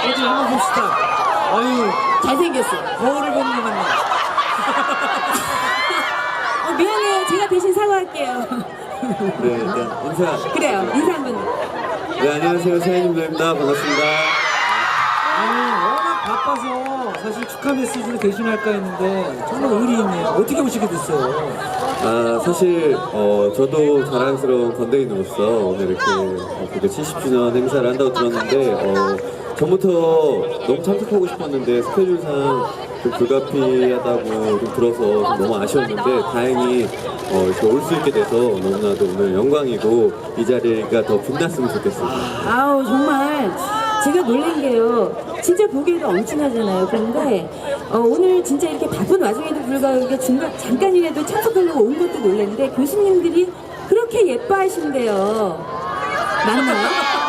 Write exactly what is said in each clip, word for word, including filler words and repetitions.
어디 한번 봅시다. 아유, 잘생겼어. 거울을 보는 것 같네. 어, 미안해요. 제가 대신 사과할게요. 네, 일단 인사. 그래요. 인사 한번. 네, 안녕하세요. 사연님들입니다. 반갑습니다. 아니, 워낙 바빠서 사실 축하 메시지를 대신할까 했는데 정말 의리 있네요. 어떻게 오시게 됐어요? 아, 사실, 어, 저도 자랑스러운 건대인으로서 오늘 이렇게 그게 칠십 주년 행사를 한다고 들었는데, 어, 전부터 너무 참석하고 싶었는데 스케줄상 좀 불가피하다고 좀 들어서 좀 너무 아쉬웠는데 다행히 어, 이렇게 올 수 있게 돼서 너무나도 오늘 영광이고 이 자리가 더 빛났으면 좋겠습니다. 아우, 정말. 제가 놀란 게요. 진짜 보기에도 엄청나잖아요. 그런데 어, 오늘 진짜 이렇게 바쁜 와중에도 불구하고 중간 잠깐이라도 참석하려고 온 것도 놀랐는데 교수님들이 그렇게 예뻐하신대요. 맞나요?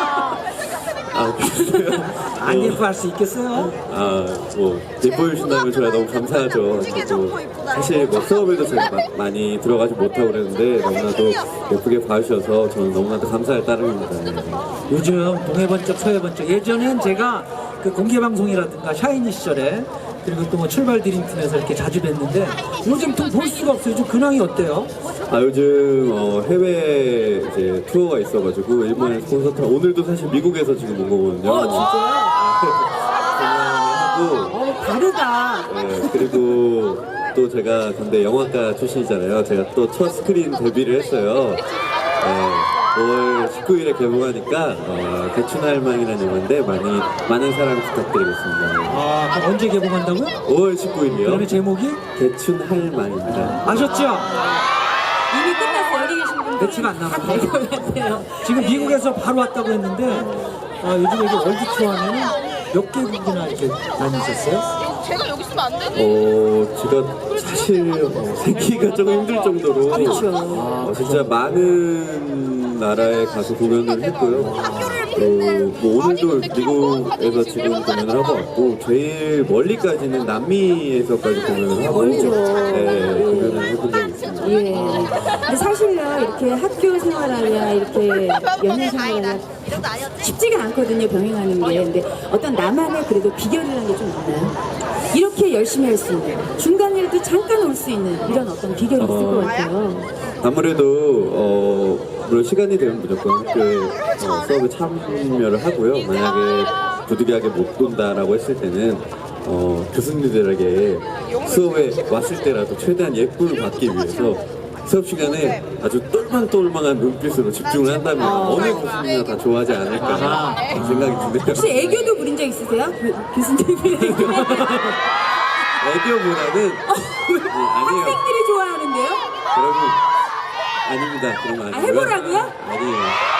아, 그래요? 안 예뻐할 수 있겠어요? 아, 뭐 예뻐해 주신다면 저야 너무 감사하죠. 저도 사실 뭐 수업에도 제가 마, 많이 들어가지 못하고 그랬는데 너무나도 예쁘게 봐주셔서 저는 너무나도 감사할 따름입니다. 요즘 동해번쩍 서해번쩍 예전엔 제가 그 공개방송이라든가 샤이니 시절에 그리고 또 뭐 출발 드림팀에서 이렇게 자주 뵀는데 요즘 좀 볼 수가 없어요. 요즘 근황이 어때요? 아, 요즘 어, 해외 이제 투어가 있어가지고 일본에서 콘서트 오늘도 사실 미국에서 지금 온 거거든요. 어, 진짜요? 하고 어, 다르다. 네, 그리고 또 제가 근데 영화과 출신이잖아요. 제가 또 첫 스크린 데뷔를 했어요. 네, 오월 십구 일에 개봉하니까 어, 대춘할망이라는 영화인데 많이 많은 사랑 부탁드리겠습니다. 아, 그럼 언제 개봉한다고요? 오월 십구 일이요. 그러면 제목이? 대춘할망입니다. 아셨죠? 이미 끝났어요. 여기 계신 분들. 며칠 안 남았네요. 알것 같아요. 지금 미국에서 바로 왔다고 했는데 어, 요즘에 이제 월드 투어 하면 몇 개국이나 이렇게 다니셨어요? 제가 여기 있으면 안 되지. 어, 제가 사실 어, 생기가 조금 힘들 정도로 그렇죠. 어, 진짜 많은 나라에 가서 공연을 했고요. 어, 뭐 오늘도 미국에서 지금 공연을 하고 왔고 제일 멀리까지는 남미에서까지 공연을 하고 멀죠. 네, 공연을 해본 적이 있습니다. 예. 근데 사실요, 이렇게 학교 생활하냐, 이렇게 연애 생활하냐, 쉽지가 않거든요, 병행하는 게. 근데 어떤 나만의 그래도 비결이라는 게 좀 있나요? 이렇게 열심히 할 수 있는, 중간이라도 잠깐 올 수 있는 이런 어떤 비결이 있을 것 같아요. 아무래도 어, 물론 시간이 되면 무조건 학교에 어, 수업에 참여를 하고요. 만약에 부득이하게 못 온다라고 했을 때는 어, 교수님들에게 수업에 왔을 때라도 최대한 예쁨을 받기 위해서 수업 시간에 아주 똘망똘망한 눈빛으로 집중을 한다면 어느 교수님이나 다 좋아하지 않을까 그런 생각이 드네요. 혹시 애교도 부린 적 있으세요? 교, 교수님이 애교. 애교보다는 네, 아니에요. 학생들이 좋아하는데요? 여러분 아닙니다. 그런 거 아, 아니고요. 해보라고요? 아니에요.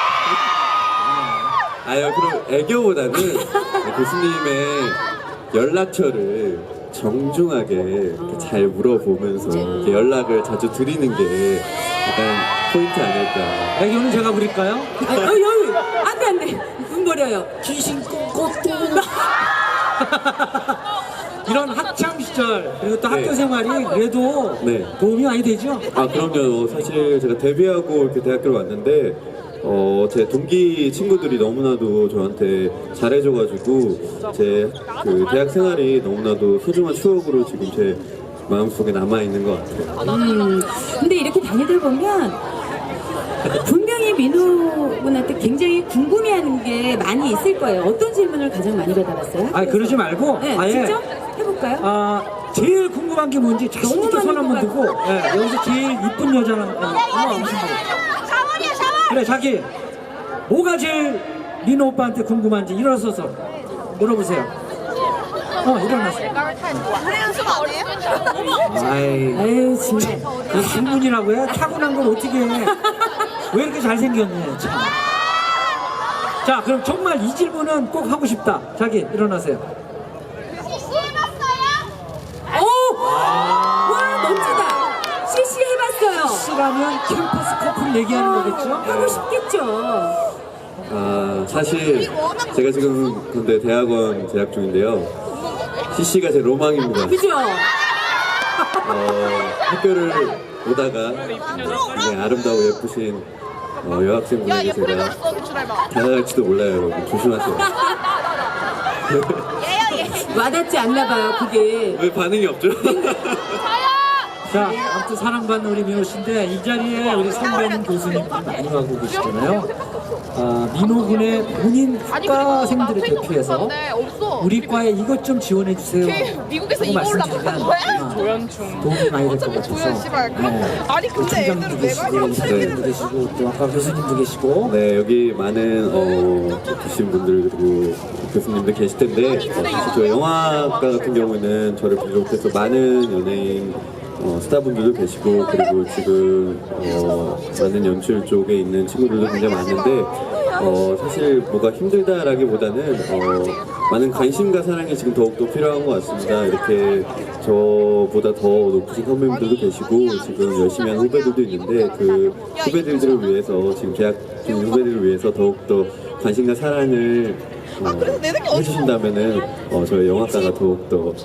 아유, 그럼 애교보다는 교수님의 연락처를 정중하게 이렇게 잘 물어보면서 이렇게 연락을 자주 드리는 게 약간 포인트 아닐까. 애교는 제가 부릴까요? 아, 어, 여기! 안 돼, 안 돼. 눈 버려요. 귀신 꽃꽃도 이런 학창 시절 그리고 또 네. 학교 생활이 그래도 네. 도움이 많이 되죠? 아, 그럼요. 사실 제가 데뷔하고 이렇게 대학교를 왔는데 어, 제 동기 친구들이 너무나도 저한테 잘해줘가지고 제 그 대학 생활이 너무나도 소중한 추억으로 지금 제 마음속에 남아있는 것 같아요. 음, 근데 이렇게 다니다 보면 분명히 민호 분한테 굉장히 궁금해하는 게 많이 있을 거예요. 어떤 질문을 가장 많이 받아봤어요? 아, 그러지 말고 네, 아예 직접 해볼까요? 아, 제일 궁금한 게 뭔지 자신 있게 너무 손 한번 많이 들고 예, 여기서 제일 이쁜 여자는 어머 무슨 샤워이야 샤워. 그래 자기 뭐가 제일 민호 오빠한테 궁금한지 일어서서 물어보세요. 어 일어났어. 노래 연습 안 해요? 아이 아유, 정말. 그 질문이라고 해? 타고난 걸 어떻게 해? 왜 이렇게 잘생겼냐 참. 자 그럼 정말 이 질문은 꼭 하고 싶다. 자기 일어나세요. 오! 와, 멋지다. 씨씨 해봤어요. C라면 캠퍼스 커플 얘기하는 거겠죠? 하고 싶겠죠. 아, 사실 제가 지금 근데 대학원 재학 중인데요. 씨씨가 제 로망입니다. 그죠? 어, 학교를 오다가 굉장히 아름다고 예쁘신 어, 야, 여학생분에게 얘 소리 제가 났어, 그 출발봐. 다가갈지도 몰라요, 여러분. 조심하세요. 얘요 얘. 와닿지 않나 봐요, 그게. 왜 반응이 없죠? 자, 아무튼 사랑받는 우리 민호 씨인데 이 자리에 우리 선배님 교수님들 많이 가고 계시잖아요. 아, 민호군의 본인 학과생들을 대표해서 우리 과에 이것 좀 지원해 주세요. 미국에서 라고 이거 올라간 말씀드리면 거야? 아마 도움이 많이 될 것 같아서. 씨발. 네. 아니, 그 근데 총장님도 애들은 계시고, 내가 형 선배님도 계시고, 또 아까 교수님도 계시고. 네, 여기 많은 어, 계신 분들 그리고 교수님들 계실 텐데 어, 저 영화과 같은 경우는 저를 비롯해서 많은 연예인 어, 스타분들도 계시고 그리고 지금 어, 많은 연출 쪽에 있는 친구들도 굉장히 많은데 어, 사실 뭐가 힘들다라기보다는 어, 많은 관심과 사랑이 지금 더욱더 필요한 것 같습니다. 이렇게 저보다 더 높으신 선배님들도 계시고 지금 열심히 하는 후배들도 있는데 그 후배들을 위해서 지금 재학 중인 후배들을 위해서 더욱더 관심과 사랑을 어, 해주신다면은 어, 저희 영화과가 더욱더